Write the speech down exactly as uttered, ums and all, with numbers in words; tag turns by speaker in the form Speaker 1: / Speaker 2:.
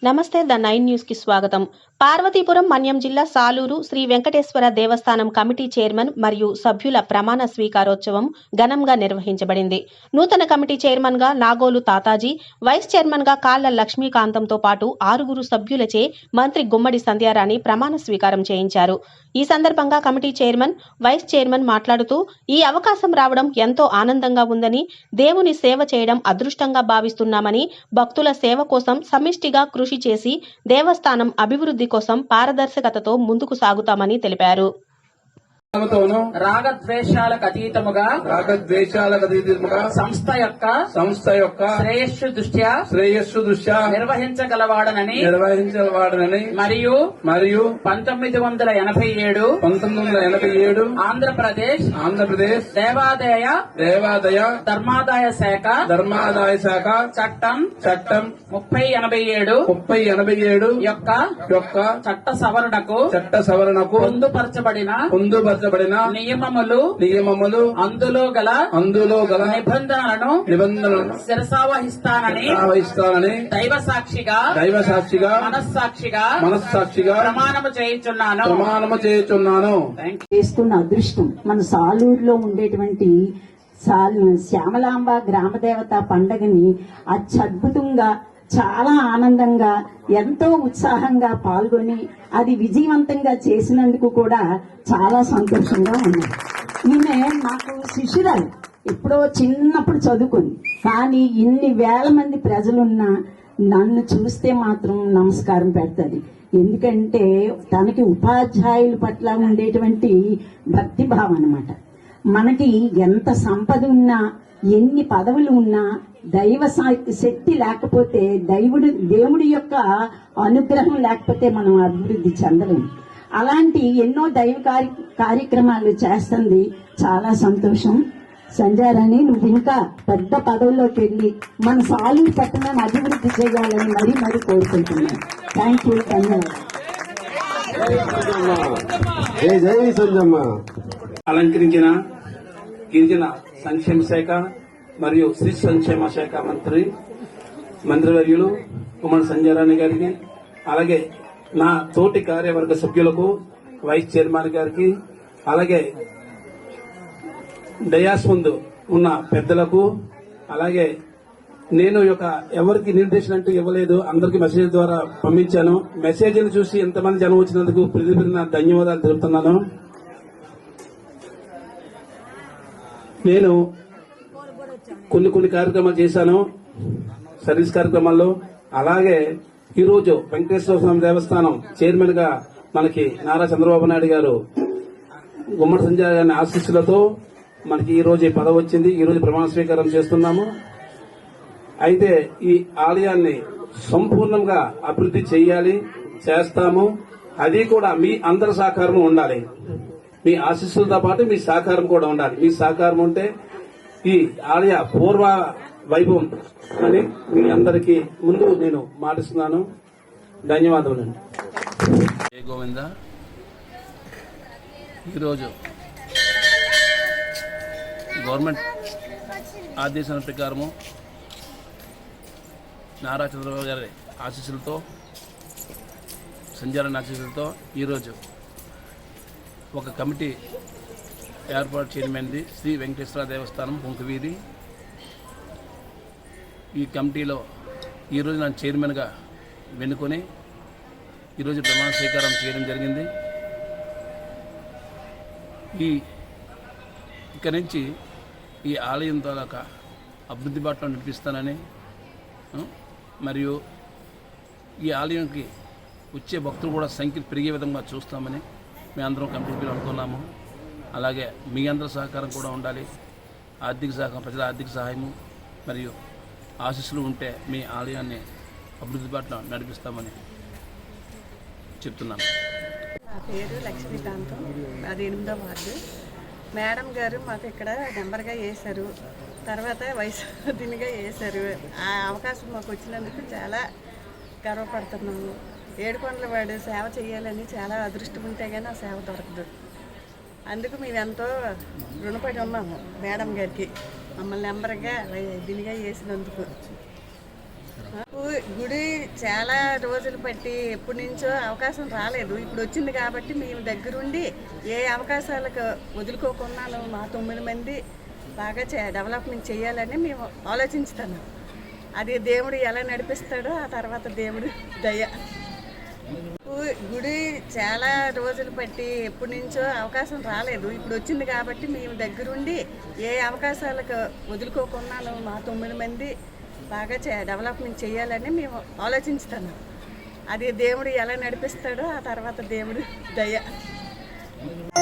Speaker 1: నమస్తే the nine news కి స్వాగతం. పార్వతీపురం మన్యం జిల్లా సాలూరు శ్రీ వెంకటేశ్వర దేవస్థానం కమిటీ చైర్మన్ మరియు సభ్యుల ప్రమాణ స్వీకారోత్సవం ఘనంగా నిర్వహించబడింది. నూతన కమిటీ చైర్మన్ గా నాగోలు తాతాజీ, వైస్ చైర్మన్ గా కాళ్ల లక్ష్మీకాంతంతో పాటు ఆరుగురు సభ్యులచే మంత్రి గుమ్మడి సంధ్యారాణి ప్రమాణ స్వీకారం చేయించారు. ఈ సందర్భంగా కమిటీ చైర్మన్, వైస్ చైర్మన్ మాట్లాడుతూ ఈ అవకాశం రావడం ఎంతో ఆనందంగా ఉందని, దేవుని సేవ చేయడం అదృష్టంగా భావిస్తున్నామని, భక్తుల సేవ కోసం సమిష్టిగా కృషి చేసి దేవస్థానం అభివృద్ధి కోసం పారదర్శకతతో ముందుకు సాగుతామని తెలిపారు.
Speaker 2: రాగద్వేషాలకు అతీతముగా
Speaker 3: రాగద్వేషాలకు అతీతముగా
Speaker 2: సంస్థ యొక్క
Speaker 3: సంస్థ యొక్క
Speaker 2: శ్రేయస్సు దృష్ట్యా
Speaker 3: శ్రేయస్సు దృష్ట్యా
Speaker 2: నిర్వహించగలవాడనని
Speaker 3: నిర్వహించగలవాడనని
Speaker 2: మరియు
Speaker 3: మరియు
Speaker 2: పంతొమ్మిది వందల ఎనభై ఏడు
Speaker 3: పంతొమ్మిది వందల ఎనభై ఏడు
Speaker 2: ఆంధ్రప్రదేశ్
Speaker 3: ఆంధ్రప్రదేశ్
Speaker 2: దేవాదాయ
Speaker 3: దేవాదాయ
Speaker 2: ధర్మాదాయ శాఖ
Speaker 3: ధర్మాదాయ శాఖ
Speaker 2: చట్టం
Speaker 3: చట్టం
Speaker 2: ముప్పై ఎనభై ఏడు
Speaker 3: ముప్పై ఎనభై ఏడు
Speaker 2: యొక్క
Speaker 3: యొక్క
Speaker 2: చట్ట సవరణకు
Speaker 3: చట్ట సవరణకు
Speaker 2: పొందుపరచబడిన
Speaker 3: పొందుపరచబడిన
Speaker 2: నియమములు
Speaker 3: నియమములు
Speaker 2: అందులో గల
Speaker 3: అందులో గల
Speaker 2: నిబంధనలను
Speaker 3: నిబంధనలను
Speaker 2: శిరసావహిస్తానని
Speaker 3: వహిస్తానని
Speaker 2: దైవ సాక్షిగా
Speaker 3: దైవ సాక్షిగా
Speaker 2: మనస్సాక్షిగా
Speaker 3: మనస్సాక్షిగా
Speaker 2: ప్రమాణము చేయుచున్నాను
Speaker 3: ప్రమాణము చేయుచున్నాను.
Speaker 4: చేస్తున్న అదృష్టం మన సాలూరులో ఉండేటువంటి శ్యామలాంబ గ్రామదేవత పండగని అత్యద్భుతంగా చాలా ఆనందంగా ఎంతో ఉత్సాహంగా పాల్గొని అది విజయవంతంగా చేసినందుకు కూడా చాలా సంతోషంగా ఉంది. ఈమె నాకు శిష్యురాలు, ఎప్పుడో చిన్నప్పుడు చదువుకుంది. కానీ ఇన్ని వేల మంది ప్రజలున్నా నన్ను చూస్తే మాత్రం నమస్కారం పెడుతుంది. ఎందుకంటే తనకి ఉపాధ్యాయుల పట్ల ఉండేటువంటి భక్తిభావం అన్నమాట. మనకి ఎంత సంపద ఉన్నా, ఎన్ని పదవులు ఉన్నా, దైవ శక్తి లేకపోతే, దైవుడు దేవుడి యొక్క అనుగ్రహం లేకపోతే మనం అభివృద్ధి చెందలేము. అలాంటి ఎన్నో దైవ కార్యక్రమాలు చేస్తుంది. చాలా సంతోషం. సంధ్యారాణి, నువ్వు ఇంకా పెద్ద పదవుల్లోకి వెళ్ళి మన సాలూరు పట్టణాన్ని అభివృద్ధి చేయాలని మరీ మరీ కోరుకుంటున్నాను. Thank you. ధన్యవాదాలు.
Speaker 3: అలంకరించిన గిరిజన సంక్షేమ శాఖ మరియు శ్రీ సంక్షేమ శాఖ మంత్రి మంత్రివర్యులు గుమ్మడి సంధ్యారాణి గారికి, అలాగే నా తోటి కార్యవర్గ సభ్యులకు, వైస్ చైర్మన్ గారికి, అలాగే డయాస్ ముందు ఉన్న పెద్దలకు, అలాగే నేను యొక్క ఎవరికి నిర్దేశం అంటూ ఇవ్వలేదు, అందరికి మెసేజ్ ద్వారా పంపించాను. మెసేజ్లు చూసి ఎంతమంది జనం వచ్చినందుకు ప్రతి ప్రతి ధన్యవాదాలు తెలుపుతున్నాను. నేను కొన్ని కొన్ని కార్యక్రమాలు చేశాను సర్వీస్ కార్యక్రమాల్లో. అలాగే ఈరోజు వెంకటేశ్వర స్వామి దేవస్థానం చైర్మన్ గా మనకి నారా చంద్రబాబు నాయుడు గారు గుమ్మడి సంజయ్ గారి ఆశీస్సులతో మనకి ఈ రోజు ఈ పదవి వచ్చింది. ఈ రోజు ప్రమాణ స్వీకారం చేస్తున్నాము. అయితే ఈ ఆలయాన్ని సంపూర్ణంగా అభివృద్ధి చేయాలి, చేస్తాము. అది కూడా మీ అందరి సహకారం ఉండాలి. మీ ఆశీస్సులతో పాటు మీ సహకారం కూడా ఉండాలి. మీ సహకారం ఉంటే ఈ ఆలయ పూర్వ వైభవం అని మీ అందరికీ ముందు నేను మాటిస్తున్నాను. ధన్యవాదములు.
Speaker 5: జయ గోవింద. ఈరోజు గవర్నమెంట్ ఆదేశాల ప్రకారము నారా చంద్రబాబు గారి ఆశీస్సులతో, సంధ్యారాణి ఆశీస్సులతో ఈరోజు ఒక కమిటీ ఏర్పాటు చేయడమైనది. శ్రీ వెంకటేశ్వర దేవస్థానం పొంకవీధి. ఈ కమిటీలో ఈరోజు నన్ను చైర్మన్గా వెనుకొని ఈరోజు ప్రమాణ స్వీకారం చేయడం జరిగింది. ఈ ఇక్కడి నుంచి ఈ ఆలయం తాలూకా అభివృద్ధి బాటలో నడిపిస్తానని, మరియు ఈ ఆలయంకి వచ్చే భక్తులు కూడా సంఖ్య పెరిగే విధంగా చూస్తామని మేము అందరం కమిటీ అనుకున్నాము. అలాగే మీ అందరి సహకారం కూడా ఉండాలి. ఆర్థిక సహకారం, ప్రజల ఆర్థిక సహాయము మరియు ఆశీస్సులు ఉంటే మీ ఆలయాన్ని అభివృద్ధి బాటలో నడిపిస్తామని చెప్తున్నాను.
Speaker 6: నా పేరు లక్ష్మీకాంతం, అది ఎనిమిదో వార్డు. మేడం గారు మాకు ఇక్కడ నెంబర్గా వేశారు, తర్వాత వయసుదినిగా వేశారు. ఆ అవకాశం మాకు వచ్చినందుకు చాలా గర్వపడుతున్నాము. ఏడుకొండల వాడు సేవ చేయాలని చాలా అదృష్టం ఉంటే కానీ ఆ సేవ దొరకదు. అందుకు మేము ఎంతో రుణపడి ఉన్నాము మేడం గారికి, మమ్మల్ని నెంబర్గా దీనిగా వేసినందుకు. గు- గుడి చాలా రోజులు బట్టి ఎప్పటి నుంచో అవకాశం రాలేదు. ఇప్పుడు వచ్చింది కాబట్టి మేము దగ్గరుండి ఏ అవకాశాలకు వదులుకోకున్నాను. మా తొమ్మిది మంది బాగా చే డెవలప్మెంట్ చేయాలని మేము ఆలోచించుతున్నాం. అది దేవుడు ఎలా నడిపిస్తాడో ఆ తర్వాత దేవుడు దయ. గు- గుడి చాలా రోజులు బట్టి ఎప్పటి నుంచో అవకాశం రాలేదు. ఇప్పుడు వచ్చింది కాబట్టి మేము దగ్గరుండి ఏ అవకాశాలకు వదులుకోకున్నాను. మా తొమ్మిది మంది బాగా చే డెవలప్మెంట్ చేయాలని మేము ఆలోచించుతున్నాం. అది దేవుడు ఎలా నడిపిస్తాడో ఆ తర్వాత దేవుడు దయ.